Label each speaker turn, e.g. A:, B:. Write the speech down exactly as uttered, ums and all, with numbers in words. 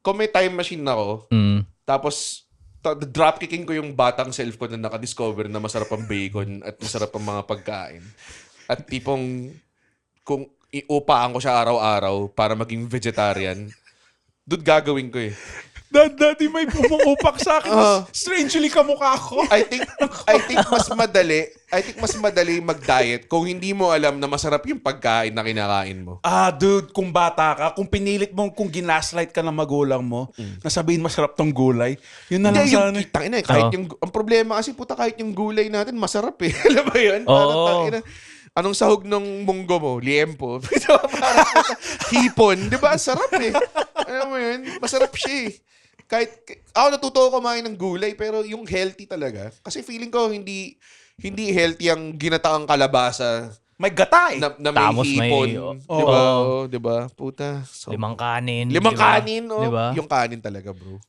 A: kung may time machine ako,
B: Mm.
A: tapos ta- dropkicking ko yung batang self ko na nakadiscover na masarap ang bacon at masarap ang mga pagkain. At tipong kung iupaan ko siya araw-araw para maging vegetarian, doon gagawin ko eh.
C: Dad, daddy, may pumuupak sa akin.
A: Ah.
C: Strangely kamukha ko.
A: I think I think mas madali, I think mas madali mag-diet kung hindi mo alam na masarap yung pagkain na kinakain mo.
C: Ah, dude, kung bata ka, kung pinilit mo, kung ginaslight ka ng magulang mo,
A: Mm.
C: nasabihin masarap tong gulay, yun na lang
A: Hindi, yung
C: sana. eh.
A: kitang ina, eh, kahit
B: Oo.
A: yung, ang problema kasi puta, kahit yung gulay natin, masarap eh. Alam mo yun?
B: Oo.
A: Parang tangina, anong sahog ng munggo mo? Liempo. Parang puta, hipon. Di ba? Ang sarap eh. Alam mo yun? Masarap siya eh. Kahit, ako natuto ko kumain ng gulay, pero yung healthy talaga. Kasi feeling ko hindi hindi healthy ang ginataang kalabasa
C: May gata eh.
A: na, na may
B: Tapos may-
A: hipon.
B: oh.
A: Di ba?
B: Oo.
A: Oh, di ba? Puta. So,
B: Limang kanin.
A: limang
B: di ba?
A: kanin, oh.
B: Di ba?
A: Yung kanin talaga, bro.